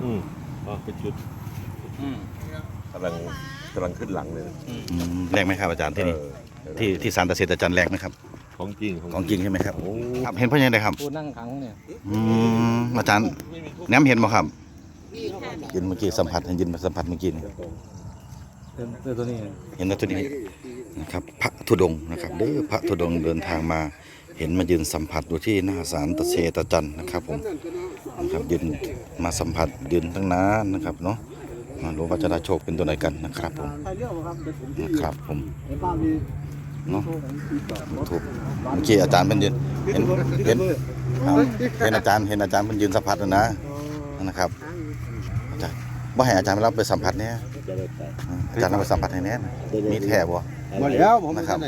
เป็นชุดกำลังขึ้นหลังเลยแรงไหมครับอาจารย์ที่นี่ที่ศาลตะเสดอาจารย์แรงไหมครับของจริงของจริงใช่ไหมครับครับเห็นเพราะยังไงครับผู้นั่งขังเนี่ยอาจารย์แนมเห็นบ่ครับยินเมื่อกี้สัมผัสเห็นยินสัมผัสเมื่อกี้นี่ตัวนี้เห็นตัวนี้นะครับพระธุดงค์นะครับเด้อพระธุดงค์เดินทางมาเห็นมายืนสัมผัสอยู่ที่หน้าศาลตะเสดอาจารย์นะครับผมนะครับยืนมาสัมผัสยืนตั้งนานนะครับเนาะมารู้ว่าจะได้โชคเป็นตัวไหนกันนะครับผมนะครับผมเนาะถูกเมื่อกี้อาจารย์เป็นยืนเห็นอาจารย์เป็นยืนสัมผัสนะครับอาจารย์ว่าให้อาจารย์เราไปสัมผัสเนี่ยอาจารย์เราไปสัมผัสให้แน่มีแถบวะมาแล้วผมนะครับ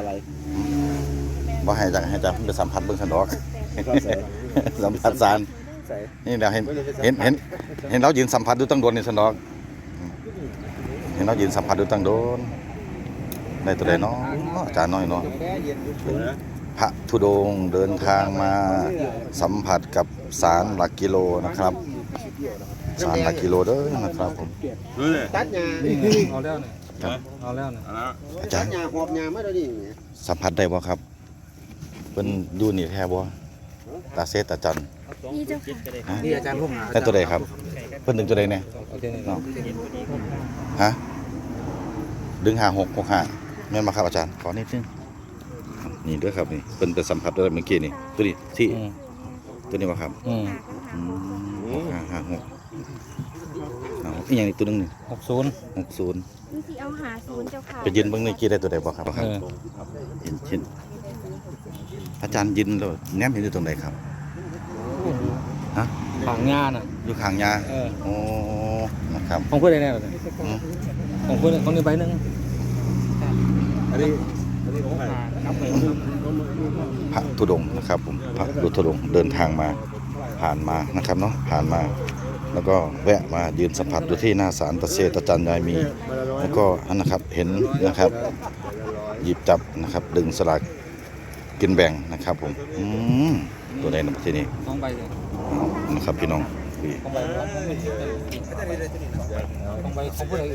ว่าให้อาจารย์ไปสัมผัสเบื้องสันดอกสัมผัสสารนี่เราเห็นเรายืนสัมผัสดูตั้งโดนในสันดอกเห็นเรายืนสัมผัสดูตั้งโดนในตัวใดเนาะอาจารย์น้อยเนาะพระธุดงค์เดินทางมาสัมผัสกับศาลหลักกิโลนะครับศาลหลักกิโลเด้อนะครับผมตัดหญ้าเอาแล้วเนี่ยเอาแล้วเนี่ยอาจารย์หญ้าหอบหญ้ามาแล้วนี่สัมผัสได้บ่ครับเป็นอยู่นี่แท้บ่ตาเสดอาจารย์นี่เจ้าค่ะนี่อาจารย์พุ่มหาได้ตัวใดครับเพิ่นดึงตัวใดเนี่ยเนาะฮะดึง5665แม่นมาครับอาจารย์ขอนิดนึงนี่ด้วยครับนี่เป็นไปสัมผัสได้เมื่อกี้นี่ตัวนี้ที่ตัวนี้ว่าครับ56อีกอย่างอีกตัวนึงนี่ 60 นี่สิเอา50เจ้าค่ะไปยืนเบิ่งในกี้ได้ตัวใดบ่ครับเห็นอาจารย์ยืนแล้วแนมเห็นอยู่ตรงไหนครับฮะขางงาน่ะอยู่ข้างยาโอ้นะครับของเพื่อนได้แน่เลยของเพื่อนของนี้ใบนึงอันนี้ของใครพระธุดงค์นะครับผมพระธุดงค์เดินทางมาผ่านมานะครับเนาะผ่านมาแล้วก็แวะมายืนสัมผัสอยู่ที่หน้าศาลตะเสดอาจารย์ยายมีแล้วก็นะครับเห็นนะครับหยิบจับนะครับดึงสลากกินแบ่งนะครับผมตัวใดนะที่นี่ 2ใบนะครับพี่น้อง 2ใบของเพื่อน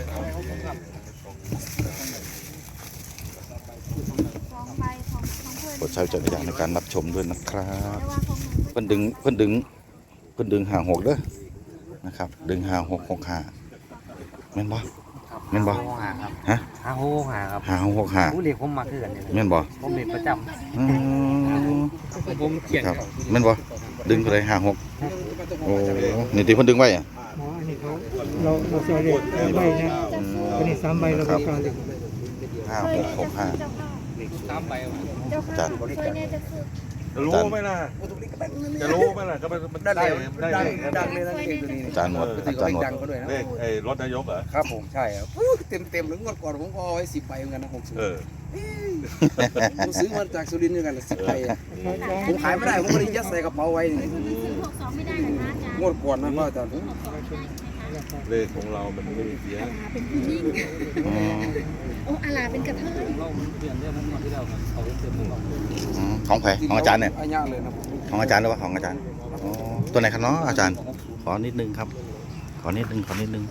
โปรดใช้วิจารณญาณในการรับชมด้วยนะครับเพิ่นดึง56เด้อนะครับดึง5665แม่นบ่ฮะ 5665ครับผู้เรียกผมมาคือกันแม่นบ่ผมเรียกประจำผมเขียนครับแม่นบ่ดึงเท่าไหร่56โอ้นี่ที่เพิ่นดึงไว้อ่ะเราเสียเรียกใบนะอันนี้3ใบเราประกัน 5665 3ใบอาจารย์จะรู้ไหมล่ะก็มันได้ดังเลยนะเก่งตัวนี้อาจารย์หมดเลขไอ้รถนายกเหรอครับผมใช่ครับเต็มหรืองวดก่อนผมก็เอาไว้10ใบเหมือนกันนะ60ผมซื้อมาจากสุรินทร์เหมือนกัน10ใบผมขายไม่ได้ผมก็เลยยัดใส่กระเป๋าไว้นี่ 62ไม่ได้เหรอคะอาจารย์งวดก่อนนะพ่ออาจารย์เลขของเรามันไม่มีเสียเป็นผู้หญิงโอ้อาลาเป็นกระเทยเราเปลี่ยนเรื่องนั้นมาที่แล้วเขาเต็มของใครของอาจารย์เนี่ยของอาจารย์หรือว่าของอาจารย์ตัวไหนครับเนาะอาจารย์ขอนิดนึงครับขอนิดนึง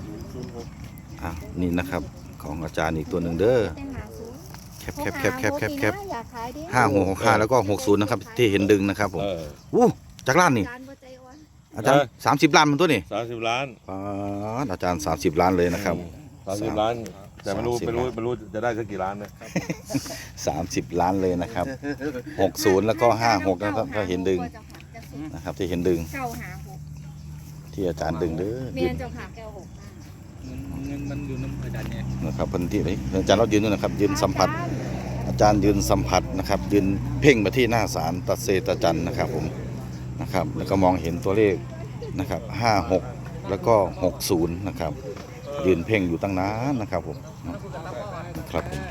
นี่นะครับของอาจารย์อีกตัวหนึ่งเด้อแคบ5665แล้วก็60นะครับที่เห็นดึงนะครับผมจากล้านนี่อาจารย์30 ล้านมันตัวนี่ 30 ล้านอาจารย์30 ล้านเลยนะครับ 30 ล้านแต่ไม่รู้จะได้สักกี่ล้านนะ 30 ล้านเลยนะครับ60แล้วก็56นะครับถ้าเห็นดึงนะครับที่เห็นดึงที่อาจารย์ดึงเด้อเมียนเจ้าค่ะเงินมันอยู่น้ำอาจารย์เนี่ยนะครับพื้นที่นี้อาจารย์เรายืนด้วยนะครับยืนสัมผัสอาจารย์ยืนสัมผัสนะครับยืนเพ่งไปที่หน้าศาลตะเสดอาจารย์นะครับผมนะครับแล้วก็มองเห็นตัวเลขนะครับ56แล้วก็60นะครับยืนเพ่งอยู่ตั้งนานนะครับผมนะครับผม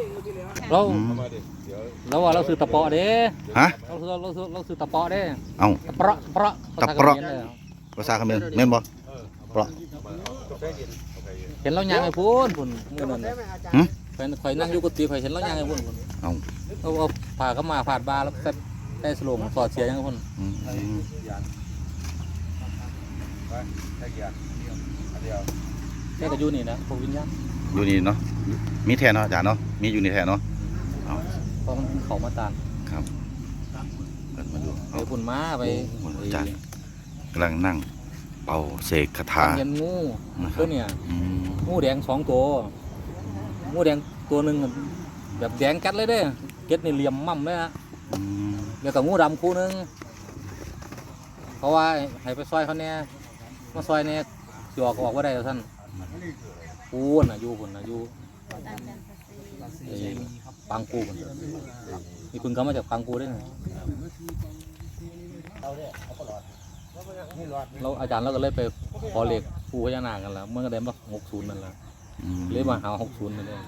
เราว่าเราซื้อตะเปาะเด้ฮะเราซื้อตะเปาะเด้เอาตะเปาะภาษาเขมรแม่นบ่เปาะเห็นเราย่างไอ้พุ่นมื้อนั้นข่อยนั่งอยู่กุฏิข่อยเห็นเราย่างไอ้พุ่นเอาผ่าเข้ามาผาดบาแล้วได้สโลงสอดเสียยังไอ้พุ่นแค่ก็อยู่นี่นะพวกวิญญาณอยู่นี่เนาะมีแทนเนาะอาจารย์เนาะมีอยู่นี่แทนเนาะเอาเพราะมันเขามาตานครับเปิดมาดูไปพุ่นม้าไปโอ้โหอาจารย์กำลังนั่งเป่าเสกคาถาเห็นงูนะครับตัวเนี่ยอืมงูแดง2 ตัวงูแดงตัวหนึ่งแบบแดงกัดเลยเด้เก็ดนี่เหลี่ยมมั่มเลยฮะอืมแล้วก็งูดำคู่หนึงเพราะว่าให้ไปซอยเขาเนี่ยมาซอยเนี่ยสิออกว่าได้ท่านปูนน่ะอยู่พุ่นน่ะอยู่ไอ้ปังกูพุ่นมีคุณเขามาจากปังกูด้วยนะเราอาจารย์เราก็เลยไปขอเลขปูพญานาคกันแล้วเมื่อก็ได้มา60นั่นแหละอืมเลยมาหา60นั่นเอง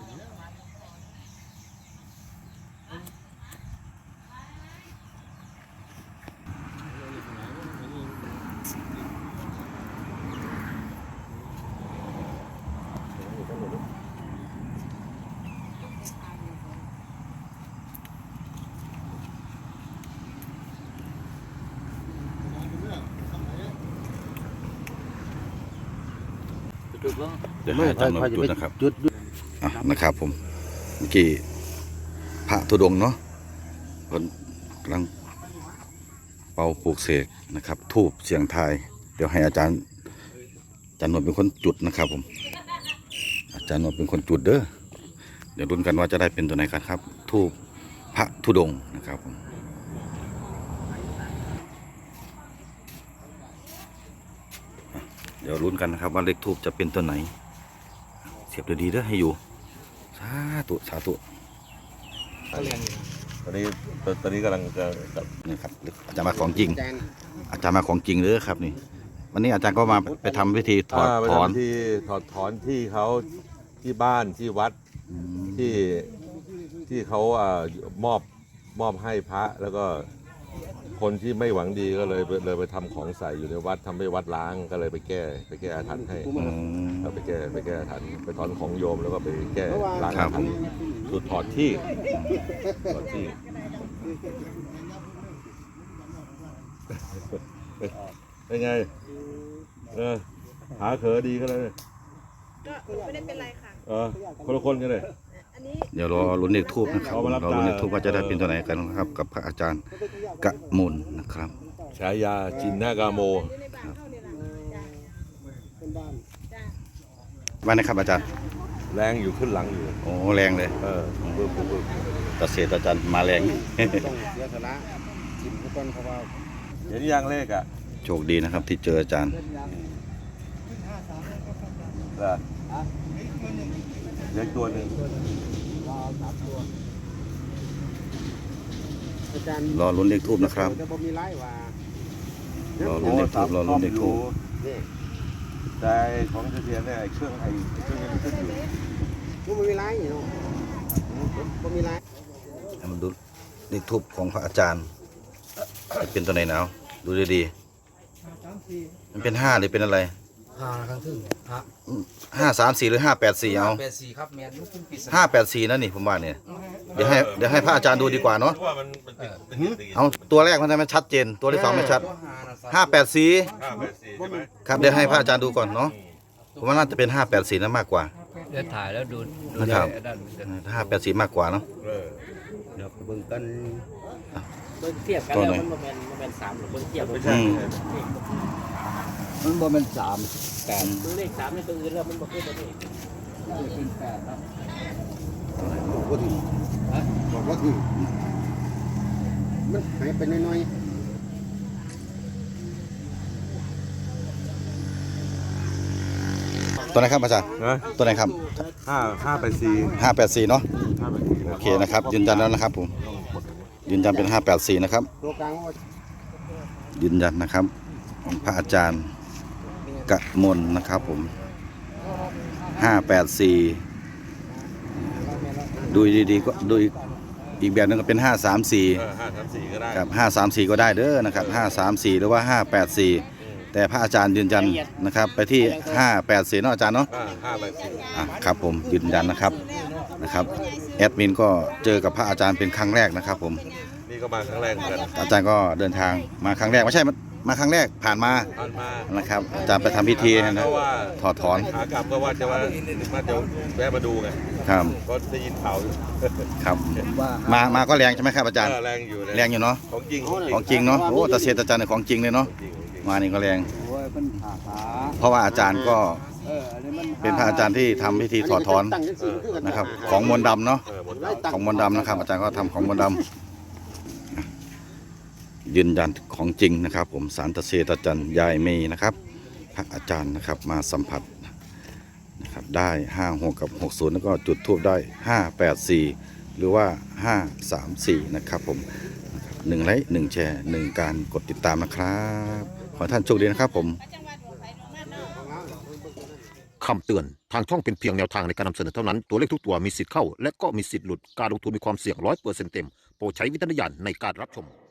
เดี๋ยวให้อาจารย์มาจุดนะครับอ่ะนะครับผมเมื่อกี้พระธุดงค์เนาะเพิ่นกำลังเป่าปลูกเสกนะครับทูบเสียงทายเดี๋ยวให้อาจารย์นวลเป็นคนจุดนะครับผมอาจารย์นวลเป็นคนจุดเด้อเดี๋ยวรุ้นกันว่าจะได้เป็นตัวไหนกันครับทูบพระธุดงค์นะครับผมเดี๋ยวรุ้นกันนะครับว่าเลขทูบจะเป็นตัวไหนเสียบดีๆเด้อให้อยู่สาธุสาธุตอนนี้กำลังจะนี่ครับอาจารย์มาของจริง อาจารย์มาของจริงเลยครับนี่ วันนี้อาจารย์ก็มาไปทำพิธีถอดถอนที่ถอดถอนที่เขาที่บ้านที่วัดที่เขามอบให้พระแล้วก็คนที่ไม่หวังดีก็เลยไปทำของใส่อยู่ในวัดทำให้วัดล้างก็เลยไปแก้อาถรรพ์ให้เราไปแก้อาถรรพ์ไปถอนของโยมแล้วก็ไปแก้ล้างอาถรรพ์สุดถอดที่เป็นไงหาเขอดีก็เลยก็ไม่ได้เป็นไรค่ะคนละคนกันเลยอันนี้เดี๋ยวรอลุ้นเลขทูบนะครับเอามารับรอลุ้นเลขทูบตาว่าจะได้เป็นตัวไหนกันนะครับ กับพระอาจารย์กะมลนะครับฉายาจินนากาโมอยู่ในบ้านเข้าเนี่ยล่ะจ้าว่านะครับอาจารย์แรงอยู่ขึ้นหลังอยู่โอ้แรงเลยปึ๊บเกษตรอาจารย์มาแรงต้องเสียสละจิ้มทุกคนเพราะว่าเห็นยังเลขอ่ะโชคดีนะครับที่เจออาจารย์เล็กตัวหนึ่งอาจารย์รอลุ้นเลขทูบนะครับจะบ่มีไล่ว่ารอลุ้นเลขทูบรอลุ้นเลขทูบแต่ของเทียนเนี่ยเครื่องยังขึ้นอยู่บ่มีไล่เนาะบ่มีไล่ให้มันดูเลขทูบของพระอาจารย์จะเป็นตัวไหนหนาวดูดีๆมันเป็น5หรือเป็นอะไร 5ครั้งถึง 534หรือ584เอา 84ครับแม่นลูกคุณปีศาจ 584นั่นนี่ผมว่าเนี่ยเดี๋ยวให้พระอาจารย์ดูดีกว่าเนาะว่ามันเป็นเอาตัวแรกมันทำไมชัดเจนตัวที่สองไม่ชัด584 584ใช่ไหมครับเดี๋ยวให้พระอาจารย์ดูก่อนเนาะผมว่าน่าจะเป็น584นั่นมากกว่าเดี๋ยวถ่ายแล้วดูนะครับ584มากกว่าเนาะเดี๋ยวเบิ่งกันเบิ่งเทียบกันตัวแล้วไหนมันบ่แม่น3หรือเบิ่งเทียบไม่ใช่มันบ่แม่น3 8ตัวเลข3ในตัวอื่นแล้วมันบ่คือตัวนี้เป็น8ครับบอกว่าถึงบอกว่าถึงมันหายไปน้อยตัวไหนครับอาจารย์นะตัวไหนครับ 584 584เนาะโอเคนะครับยืนยันแล้วนะครับผมยืนยันเป็น584นะครับๆตัวกลางว่ายืนยันนะครับของพระอาจารย์กะมลนะครับผม584ดูดีๆก็ดูอีกแบบนึงก็เป็น534 534ก็ได้กับ534ก็ได้เด้อนะครับ534หรือว่า584แต่พระอาจารย์ยืนยันนะครับไปที่584เนาะอาจารย์เนาะ 584 อ่ะครับผมยืนยันนะครับแอดมินก็เจอกับพระอาจารย์เป็นครั้งแรกนะครับผมนี่ก็มาครั้งแรกเหมือนกันอาจารย์ก็เดินทางมาครั้งแรกไม่ใช่มาครั้งแรกผ่านมาผ่านมานะครับ อาจารย์ไปทำพิธีนะเพราะว่าถอดถอนขากลับก็ว่าจะแวะมาดูไงครับก็ได้ยินข่าวอยู่ครับว่ามาก็แรงใช่ไหมครับอาจารย์แรงอยู่แรงอยู่เนาะของจริงของจริงเนาะโอ้ตาเชตาจันเนี่ยของจริงเลยเนาะจริงมานี่ก็แรงโอ้ยเป็นขาขาเพราะว่าอาจารย์ก็อันนี้มันเป็นพระอาจารย์ที่ทำพิธีถอดถอนนะครับของมนต์ดำเนาะหมดของมนต์ดำนะครับ อาจารย์ก็ทำของมนต์ดำยืนยันของจริงนะครับ ผมสารตะเชตาจันยายเมย์นะครับพระอาจารย์นะครับมาสัมผัสนะครับได้56กับ60แล้วก็จุดทูบได้584หรือว่า534นะครับผม1ไลค์1แชร์1การกดติดตามนะครับขอให้ท่านโชคดีนะครับผมคำเตือน ทางช่องเป็นเพียงแนวทางในการนำเสนอเท่านั้น ตัวเลขทุกตัวมีสิทธิ์เข้า และก็มีสิทธิ์หลุด การลงทุนมีความเสี่ยง100%เต็ม โปรดใช้วิจารณญาณในการรับชม